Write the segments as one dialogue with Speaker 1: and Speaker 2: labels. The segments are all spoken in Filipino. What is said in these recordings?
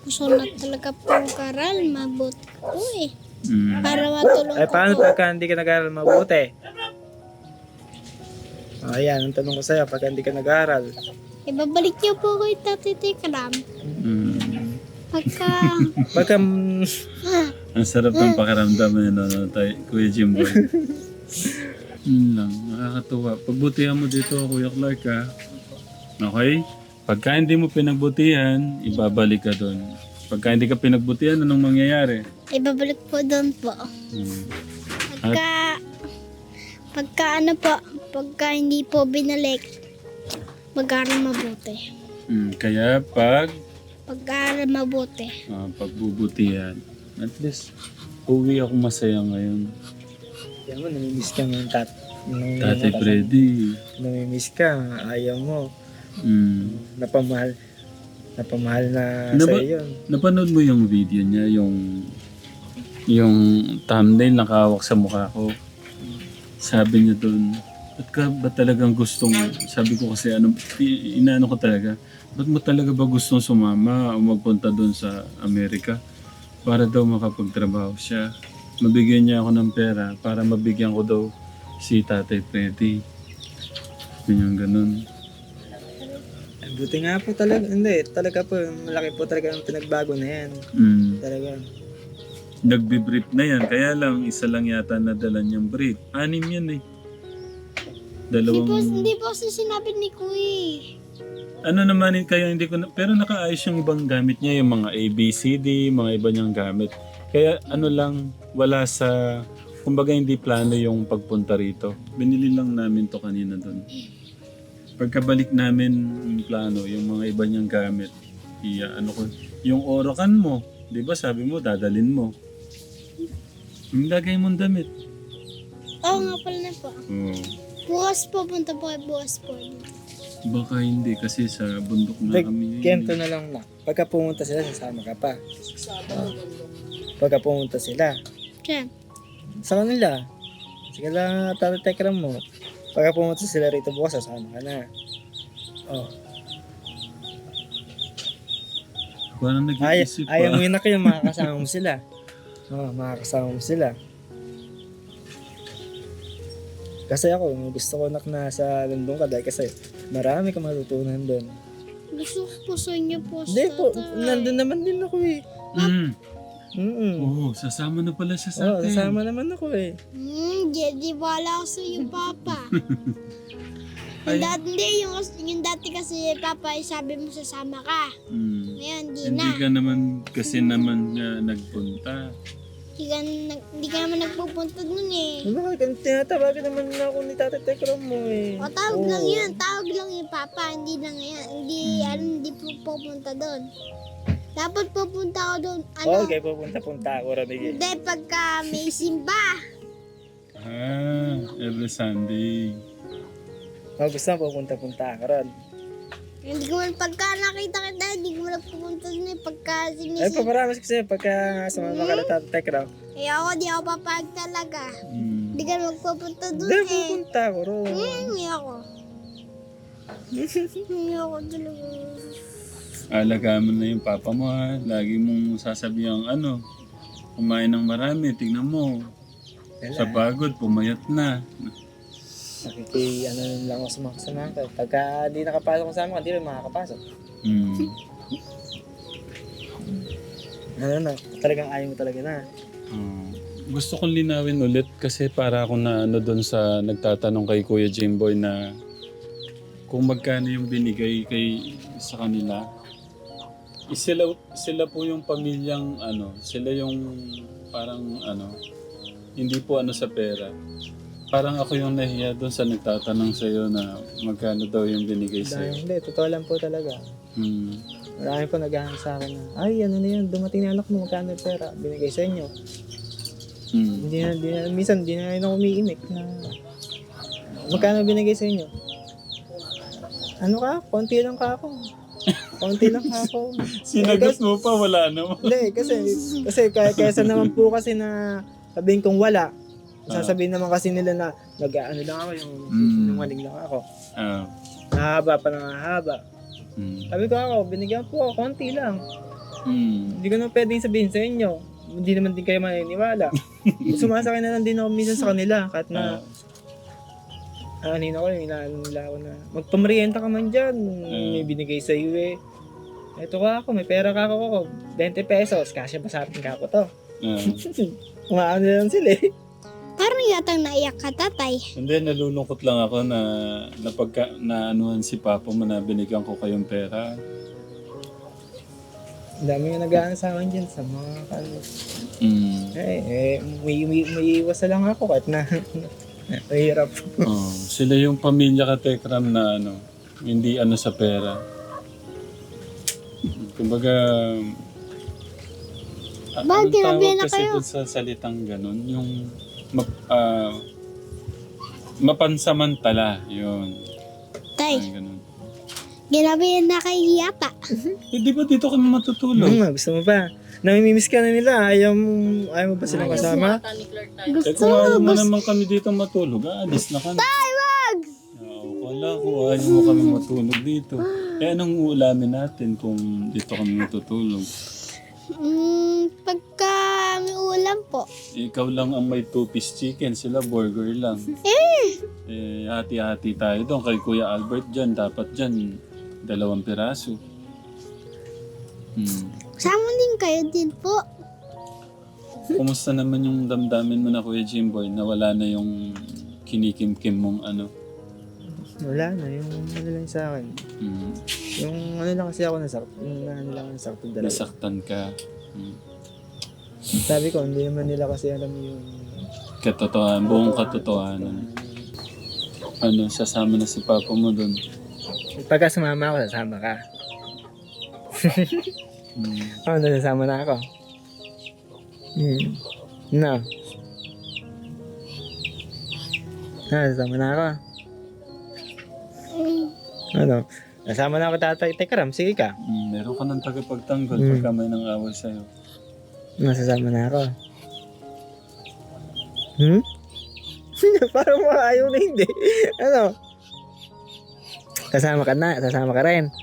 Speaker 1: Gusto na talaga pong karal, mabuti po eh.
Speaker 2: Mm.
Speaker 1: Para matulong
Speaker 3: Ay,
Speaker 1: ko
Speaker 3: paano
Speaker 1: po.
Speaker 3: pagka hindi ka nag-aaral mabuti? Ayan, ang tanong ko sa'yo, pagka hindi ka nag-aaral.
Speaker 1: Ibabalik niyo po kay Tatay Tekram.
Speaker 2: Mm.
Speaker 1: Pagka,
Speaker 3: Pagka,
Speaker 2: Ang sarap ng pakiramdam yun, Kuya Jimboy. Yun lang, nakakatuwa. Pagbutihan mo dito, Kuya Clark, ha? Okay? Pagka hindi mo pinagbutihan, ibabalik ka doon. Pagka hindi ka pinagbutihan, anong mangyayari?
Speaker 1: ibabalik po doon po.
Speaker 2: Hmm.
Speaker 1: Pagka ano po, pagka hindi po binalik, mag-aaral mabuti.
Speaker 2: Kaya
Speaker 1: Pag-aaral mabuti.
Speaker 2: pagbubutihan, at least, uwi ako masaya ngayon.
Speaker 3: yan mo, namimiss ka ng
Speaker 2: Tatay Freddy.
Speaker 3: Namimiss ka, ayaw mo.
Speaker 2: Mm.
Speaker 3: Napamahal na
Speaker 2: Naba-
Speaker 3: sa'yo yun.
Speaker 2: Napanood mo yung video niya, yung thumbnail nakahawak sa mukha ko. Sabi niya doon, ba't ka ba talagang gustong, sabi ko kasi inaano ko talaga, ba't mo talaga ba gustong sumama o magpunta doon sa Amerika para daw makapagtrabaho siya. Mabigyan niya ako ng pera para mabigyan ko daw si Tatay Freddy. Ganyan ganun.
Speaker 3: Buti nga po talaga, hindi, talaga po, malaki po talaga ang pinagbago na yan. Talaga.
Speaker 2: Nagbe-brief na yan, kaya lang isa lang yata nadala niyang brief. 6 yan eh.
Speaker 1: Hindi po kasi sinabi ni Kuya.
Speaker 2: Ano naman kaya hindi ko na, pero nakaayos yung ibang gamit niya, yung mga ABCD, mga iba niyang gamit. Kaya ano lang, wala sa, kumbaga hindi plano yung pagpunta rito. Binili lang namin to kanina doon. Pagkabalik namin yung plano, yung mga iba niyang gamit, yung Orocan mo, di ba sabi mo, dadalin mo. Yung lagay mong damit.
Speaker 1: Oo nga pala na po.
Speaker 2: Oo.
Speaker 1: Bukas po, punta po kayo bukas po.
Speaker 2: Baka hindi kasi sa bundok na kami.
Speaker 3: Kento na lang na. Pagka pumunta sila, sasama ka pa. Pagka pumunta sila,
Speaker 1: Siya.
Speaker 3: sa kanila. Sige lang, tatatekram mo. Pagka pumunta sila rito bukas, sasama ka na. Oh.
Speaker 2: Parang nag-iisip pa.
Speaker 3: Ayaw mo yun na kayo, makakasama mo sila. Makakasama mo sila. Kasi ako, gusto ko nasa London ka dahil kasi marami kang matutunan doon.
Speaker 1: Gusto ko po sa inyo po.
Speaker 3: Hindi po,
Speaker 1: Tatay.
Speaker 3: nandun naman din ako eh.
Speaker 2: Oo, sasama na pala siya sa
Speaker 3: Oo,
Speaker 2: atin.
Speaker 3: kasama naman ako eh.
Speaker 1: Di wala ako sa iyo, Papa. Yung dati kasi, Papa, sabi mo sasama ka. Ngayon, di
Speaker 2: Hindi
Speaker 1: na.
Speaker 2: ka naman kasi naman nagpunta.
Speaker 1: Di ka naman nagpupunta nun eh.
Speaker 3: Bakit? Tinatawagan naman na ako ni Tatay Tekram mo eh.
Speaker 1: O, tawag lang yun. Tawag lang yun, Papa. Hindi na ngayon. Hindi po pupunta doon. Dapat pupunta ako doon.
Speaker 3: Okay, pupunta-punta ako Ramig.
Speaker 1: Hindi, pagka may simba.
Speaker 2: Every Sunday.
Speaker 3: Gusto mo pupunta-punta ako ron.
Speaker 1: Hindi ko man pagka nakita kita, hindi ko man pupunta doon eh. Pagka
Speaker 3: Ay,
Speaker 1: sinisimba.
Speaker 3: paparamas ko sa'yo pagka sumama ka na Tatay Tekram.
Speaker 1: Eh ako, di ako papag talaga. Hindi ka magpupunta doon
Speaker 3: Hindi,
Speaker 1: eh.
Speaker 3: pupunta ako ron.
Speaker 1: Hindi ako. Hindi ako talaga.
Speaker 2: Alagaan mo na yung papa mo ha. Lagi mong sasabihan kumain ng marami, tingnan mo. Sa pagod, pumayat na.
Speaker 3: Lang ako sa mga kasamahan ko. Pagka di nakapasok ko sa amin, hindi rin makakapasok. Talagang ayaw mo talaga na.
Speaker 2: Gusto kong linawin ulit kasi para ako na doon sa nagtatanong kay Kuya Jimboy na kung magkano yung binigay sa kanila. Sila po yung pamilyang sila yung parang hindi po sa pera. Parang ako yung nahiya doon sa nagtatanong sa iyo na magkano daw yung binigay sa iyo.
Speaker 3: Hindi, totoo lang po talaga. Marami po naghahanap sa akin na, ay, ano na yan, dumating na anak mo, magkano yung pera, binigay sa inyo. Minsan, di na rin ako umiimik na, magkano binigay sa inyo? Ano ka? Konti lang ka ako.
Speaker 2: Sinagot mo pa, wala naman.
Speaker 3: Hindi, kasi kaysa naman po kasi na sabihin kong wala, sasabihin naman kasi nila na nag-ano lang ako, yung sinungaling lang ako. Nahaba pa na nahaba. Sabi ko ako, binigyan po ako, konti lang. Hindi ko na pwedeng sabihin sa inyo. Hindi naman din kayo maniniwala. Sumasakay na lang din ako minsan sa kanila. Kahit na, anino ko, inaano nila ako na, magpamerienda ka man dyan. May binigay sa iyo eh. Eto ka ako, may pera ka ako. 20 pesos, kasya ba sa atin ka ako to? Umaano lang sila eh.
Speaker 1: Parang yatang naiyak ka, tatay.
Speaker 2: Hindi, nalulungkot lang ako na naanuhan si Papa mo na binigyan ko kayong pera.
Speaker 3: Ang dami nga nag-aano sa akin dyan sa mga kalos. May iwas na lang ako kahit na mahirap.
Speaker 2: Sila yung pamilya ka, Tekram, na hindi sa pera. Kumbaga,
Speaker 1: Bakit ginabi na
Speaker 2: kasi
Speaker 1: kayo?
Speaker 2: dun sa salitang ganun, yung mapansamantala, yun.
Speaker 1: Tay,
Speaker 2: Ay, ganun.
Speaker 1: ginabi na kayo yata.
Speaker 2: Di ba dito kami matutulog?
Speaker 3: Gusto mo ba? Namimimiss ka na nila. Ayaw mo ba silang kasama?
Speaker 2: Kung ayaw mo naman kami dito matulog, alis na kami.
Speaker 1: Tay, wag!
Speaker 2: Wala ko, ayaw mo kami matulog dito. Anong uulamin natin kung dito kami matutulog?
Speaker 1: Pagka may ulam po.
Speaker 2: Ikaw lang ang may 2-piece chicken, sila burger lang. Hati-hati tayo doon. Kay Kuya Albert dyan, dapat dyan 2 piraso.
Speaker 1: Sama din kayo din po.
Speaker 2: Kumusta naman yung damdamin mo na, Kuya Jimboy, na wala na yung kinikim-kim mong
Speaker 3: Wala na. Yung ano lang sa akin. Yung ano lang kasi ako nasaktan. Yung ano lang nasaktan dalawa.
Speaker 2: Nasaktan ka.
Speaker 3: Sabi ko, hindi naman nila kasi alam yung...
Speaker 2: Katotohanan, buong katotohanan. Sasama na si Papa mo doon.
Speaker 3: Pagka sumama ako, sasama ka. Nasasama na ako. No. Nasasama na ako. Nasama na ako, tatay. Tekram, sige ka.
Speaker 2: Meron ka ng tagapagtanggol pagka may nang away sa'yo.
Speaker 3: Nasasama na ako. Parang ayaw na hindi. Kasama ka na, sasama ka rin.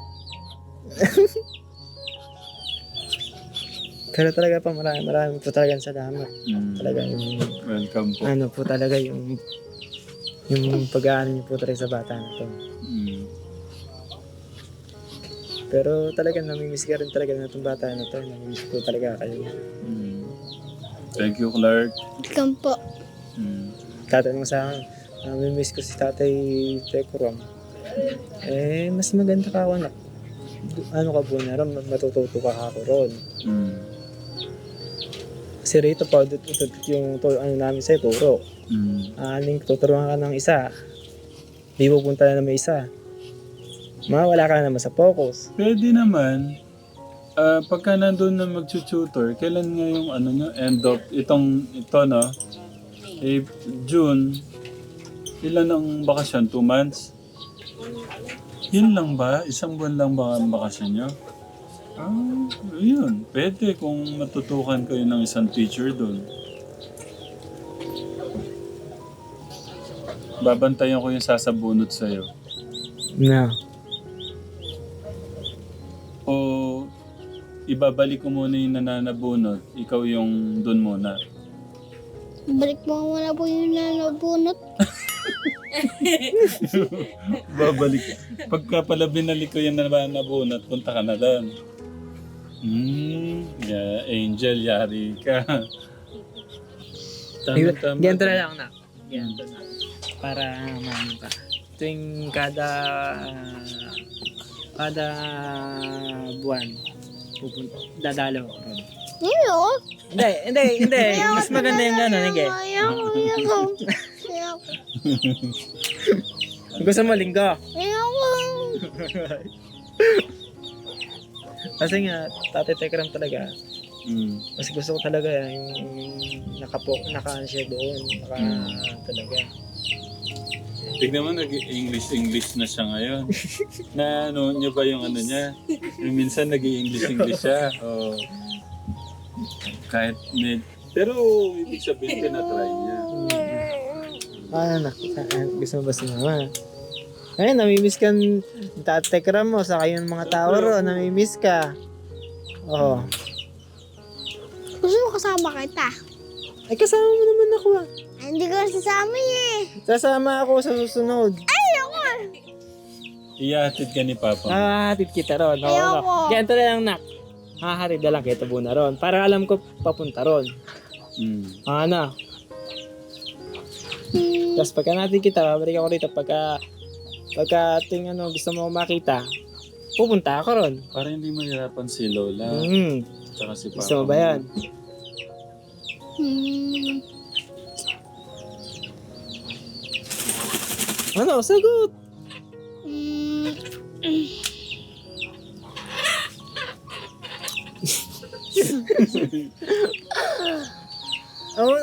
Speaker 3: Pero talaga pa, marami po talagang salamat. Talaga yung...
Speaker 2: Welcome po.
Speaker 3: Po talaga yung pag-aano niyo po talaga sa bata na to. Pero talaga namimiss ka rin talaga na itong bata na to. Namimiss po talaga kayo.
Speaker 2: Thank you, Clark.
Speaker 1: Welcome po.
Speaker 3: Tatanong sa akin, namimiss ko si Tatay Tekram. Mas maganda ka ako na. Ano ka po na rin, matututo ka ako ron. Kasi rito pa, yung namin sa'yo, turo. Tuturuan ka ng isa. Di pupunta na may isa. Mawala ka naman sa focus.
Speaker 2: Pwede naman. Pagka nandun na mag-tutor, kailan nga yung end of ito, no? June. Ilan ang bakasyon? 2 months? Yun lang ba? 1 buwan lang ba ang bakasyon nyo? Yun. Pwede kung matutukan kayo ng isang teacher doon. Babantayan ko yung sasabunot sa'yo.
Speaker 3: No.
Speaker 2: O ibabalik ko muna yung nananabunot, ikaw yung doon muna.
Speaker 1: Balik mo muna po yung nanabunot.
Speaker 2: Babalik. Pagka pala binalik ko yung nananabunot, punta ka na doon. Angel, yari ka. Tama.
Speaker 3: Ganito na lang na. Ganito na. Para maano ka. Tuwing kada buwan, dadalaw ko. Hindi. Mas maganda yung gano'n, hindi.
Speaker 1: Ayoko.
Speaker 3: Gusto mo linggo?
Speaker 1: Ayoko.
Speaker 3: Kasi nga, Tatay Tekram talaga. Mas gusto ko talaga yung naka siya doon. Talaga.
Speaker 2: Tignan mo, nag-English na siya ngayon. Na niyo ba yung niya? Yung minsan nag-English siya. Kahit pero ibig sabihin, tinatry niya.
Speaker 3: Gusto mo ba si Mama? Ayun, namimiss ka Tatay Tekram mo, saka yung mga tao ro, namimiss ka. Oo.
Speaker 1: Gusto mo kasama kita?
Speaker 3: Ay, kasama mo naman ako ah.
Speaker 1: Ay, hindi ko sasama eh.
Speaker 3: Sasama ako sa susunod.
Speaker 1: Ayoko.
Speaker 2: Iyahatid ka ni Papa.
Speaker 3: Hatid kita ron. Oo,
Speaker 1: Ayoko.
Speaker 3: Ganito na lang, nak. Hahatid na lang kita muna ron. Para alam ko papunta ron. Ano? Tapos pagka natin kita, babalik ako rito. Pagka gusto mo makita, pupunta ako ron.
Speaker 2: Para hindi mahirapan si Lola. Tsaka si Papa.
Speaker 3: Gusto mo ba yan? Ano? Sagot! Oo.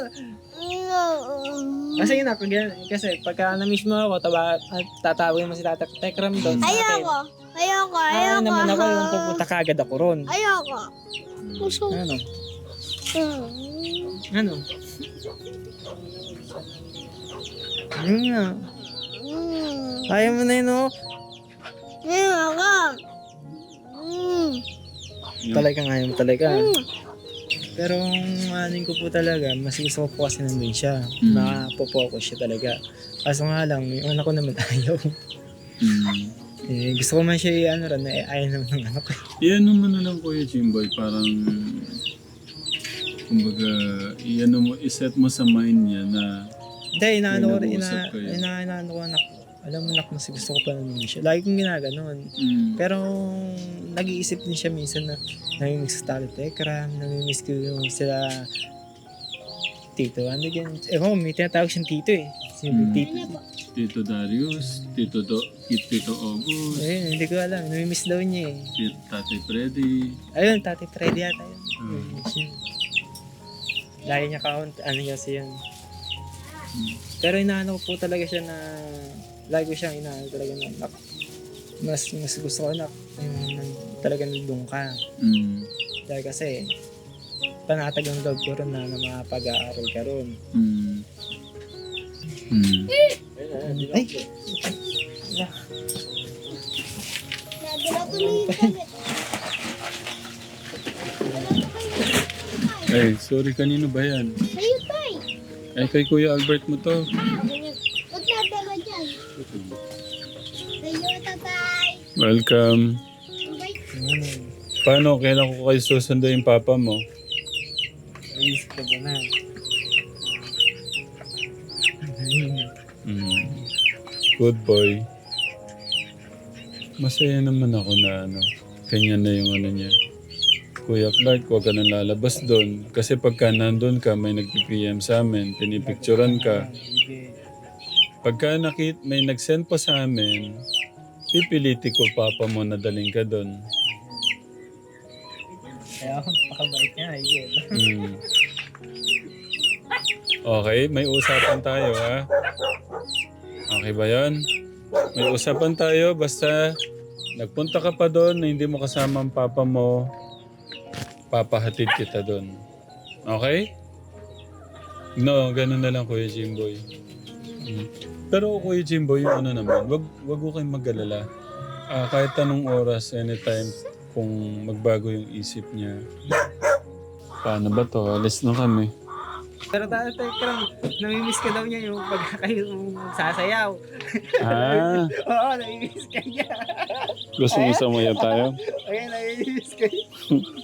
Speaker 3: Kasi yun ako, kasi pagka na-miss mo ako, tatawagin mo si Tekram doon.
Speaker 1: Ayoko. Ayoko.
Speaker 3: Ay,
Speaker 1: Ayoko.
Speaker 3: naman ako yung pupunta kagad ako ron.
Speaker 1: Ayoko. Gusto.
Speaker 3: Ano? Ano? Ano nga? Ayaw mo na yun, oh.
Speaker 1: Ayoko.
Speaker 3: Talagang ayaw mo talaga. Pero ang anin ko po talaga, mas gusto ko po kasi nandun siya. Makapopokus siya talaga. Kaso nga lang, yung anak ko naman ayaw. Gusto ko man siya ayaw naman ng anak ko.
Speaker 2: Iyan naman na lang Kuya Jimboy, parang kumbaga, iset mo sa mind niya na
Speaker 3: hindi, inaano
Speaker 2: nag-uusap kayo.
Speaker 3: ko anak. Alam mo nak, mas gusto ko pa nandun siya. Lagi kong ginaganon. Pero nag-iisip din siya minsan na namimiss ko talo Tekram, namimiss ko yung sila Tito. Ano yan? May tinatawag siyang Tito eh. Tito.
Speaker 2: Tito Darius, Tito August,
Speaker 3: Ayun, hindi ko alam. Namimiss daw niya eh.
Speaker 2: Tatay Freddy.
Speaker 3: Ayun, Tati Freddy yata yun. Namimiss yun. Lagi niya count, ano kasi yun. Pero inaano ko po talaga siya na lagi ko siyang inaano talaga na mas gusto ko na talaga nandun ka. Dahil kasi panatag ang loob ko ron na makapag-aaral ka ron. Ay!
Speaker 1: Nagalaw ko na yung damit.
Speaker 2: Ay, sorry, kanino ba yan?
Speaker 1: Sa'yo, Tay.
Speaker 2: Ay, kay Kuya Albert mo to.
Speaker 1: Huwag nadala dyan. Sa'yo, Tatay.
Speaker 2: Welcome. Paano? Kailan ko kayo susundo yung papa mo?
Speaker 3: Ayos ka ba na?
Speaker 2: Good boy. Masaya naman ako na ganyan na yung niya. Kuya Clark, huwag ka nang lalabas doon. Kasi pagka nandun ka, may nag-PM sa amin, pinipicturan ka. Pagka may nag-send pa sa amin, pipiliti ko papa mo na daling ka doon.
Speaker 3: Kaya ako, pakabait niya, Igel.
Speaker 2: Okay, may usapan tayo ha. Okay ba yan? May usapan tayo, basta nagpunta ka pa doon na hindi mo kasama ang papa mo, papahatid kita doon. Okay? No, ganun na lang Kuya Jimboy. Pero Kuya Jimboy, yung naman, wag ko kayong mag-alala. Kahit anong oras, anytime, kung magbago yung isip niya. Paano ba to? Alis na kami.
Speaker 3: Pero Tekram, namimiss ka daw niya yung pagka kayo sasayaw. Oo, namimiss ka niya.
Speaker 2: Gusto mo sumaya tayo?
Speaker 3: Ayun, namimiss ka niya.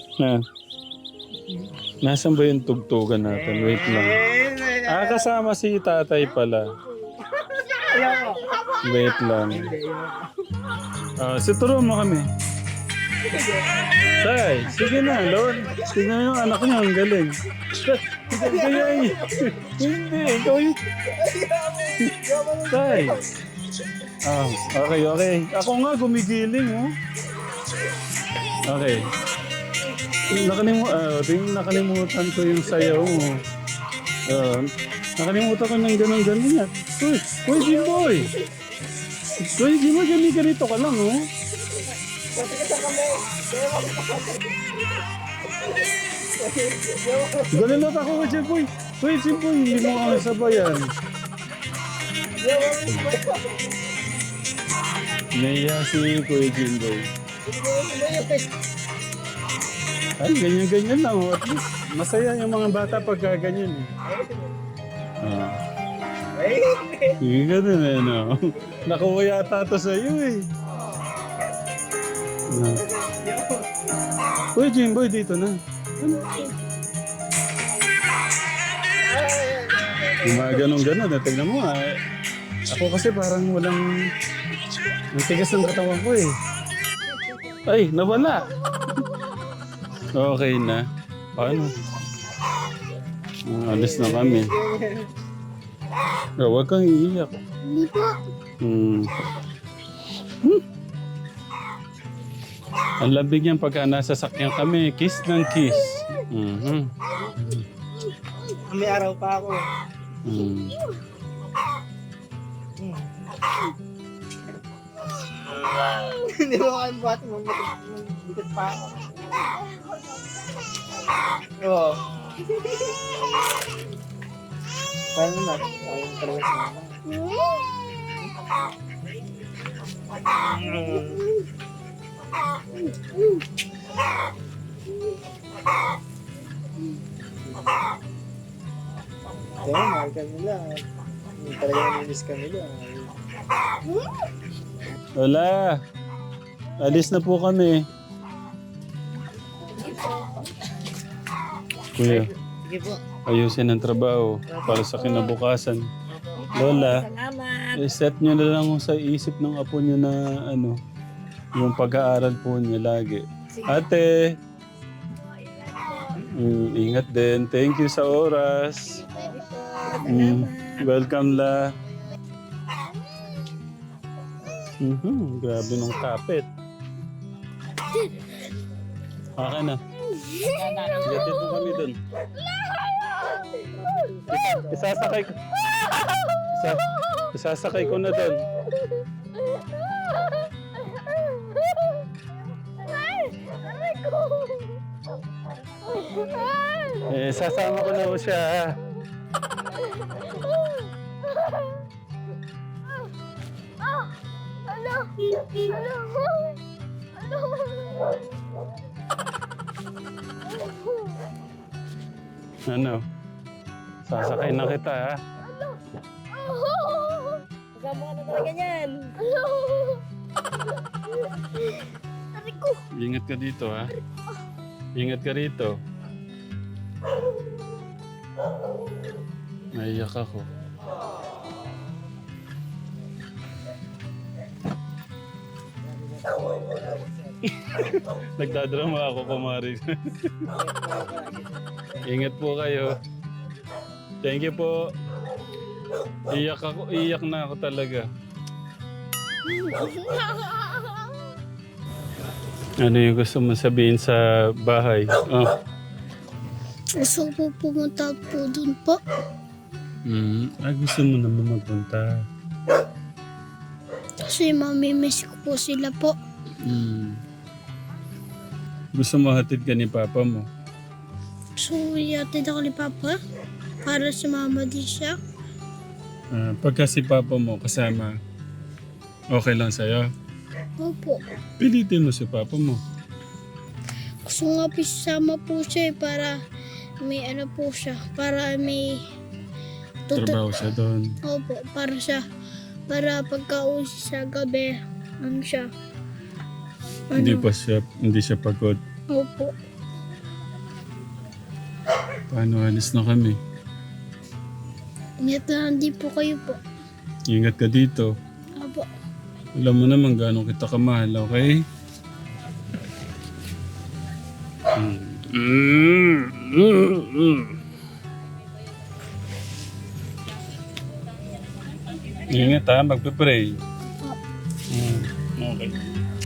Speaker 2: Nasaan ba yung tugtugan natin? Wait lang. Kasama si tatay pala.
Speaker 3: Ayoko.
Speaker 2: Wait lang. Situro mo kami. Tay, sige na, Lord. Tignan yung anak niya, ang galing. Kaya hindi, ikaw yun. Tay. Okay. Ako nga gumigiling, oh. Okay. Nakalimutan ko yung sayaw mo. Nakalimutan ko ng ganun-ganun yan. Uy, Jimboy! Uy, Jimboy, ganito ka lang, oh. Ganun ako kay Jimboy. Uy, Jimboy, hindi mo kami sabayan. Naiya si Kuya Jimboy. Ay, ganyan-ganyan lang. Oh. At least, masaya yung mga bata pagka ganyan. Eh. Ah.
Speaker 3: Ay,
Speaker 2: Hindi ganun eh, no? Nakuha yata ito sa'yo eh. Uy, Jimboy, dito na. Yung mga ganun-ganun, tignan mo ah. Ako kasi parang walang... Ang tigas ng katawan ko eh. Ay, nawala. Okay na. Paano? Alis na kami. Huwag kang iiyak.
Speaker 1: Hindi po.
Speaker 2: Ang labig niyan pagka nasa sakyan kami. Kiss ng kiss.
Speaker 3: may araw pa ako. Hindi mo kayo buhat mo. Bigat pa ako. Oo. Paano na? Ayun talaga sa mama. Kaya mahal ka nila. Hindi talaga namiss ka nila.
Speaker 2: Wala. Alis na po kami. Kuya,
Speaker 3: Sige po.
Speaker 2: ayusin ang trabaho para sa kinabukasan. Lola, set nyo na lang sa isip ng apo nyo na ano, yung pag-aaral po niya lagi. Ate, ingat din. Thank you sa oras. Welcome la. Grabe nung kapit. Akin na. Gatid mo kami dun. Isasakay ko. Isasakay ko na dun. Sasama ko na po siya. Ha? Ano? Sasakay na kita, ha?
Speaker 4: Kasama ka na talaga yan.
Speaker 2: Ingat ka dito, ha? Ingat ka rito. Naiyak ako. Nagdadrama ako, kumari. Ingat po kayo. Thank you po. Iyak na ako talaga. Ano yung gusto mo sabihin sa bahay? Oh.
Speaker 1: Gusto ko pumunta po dun po.
Speaker 2: Gusto mo naman magpunta.
Speaker 1: Kasi mamimiss ko po sila po.
Speaker 2: Gusto mo hatid ka ni Papa mo?
Speaker 1: So, yatid ako ni Papa para sumama din siya.
Speaker 2: Pagka si Papa mo kasama, okay lang sa'yo?
Speaker 1: Opo.
Speaker 2: Pilitin mo si Papa mo.
Speaker 1: Gusto nga po sasama po siya para may ano po siya. Para may
Speaker 2: Trabaho siya doon.
Speaker 1: Opo, para pagka-uwi sa gabi, ano siya.
Speaker 2: Hindi siya pagod.
Speaker 1: Opo.
Speaker 2: Paano alis na kami?
Speaker 1: Ingat na din po kayo po.
Speaker 2: Ingat ka dito.
Speaker 1: Opo.
Speaker 2: Alam mo naman gano'ng kita kamahal, okay? Ingat ha, magpe-pray. Okay.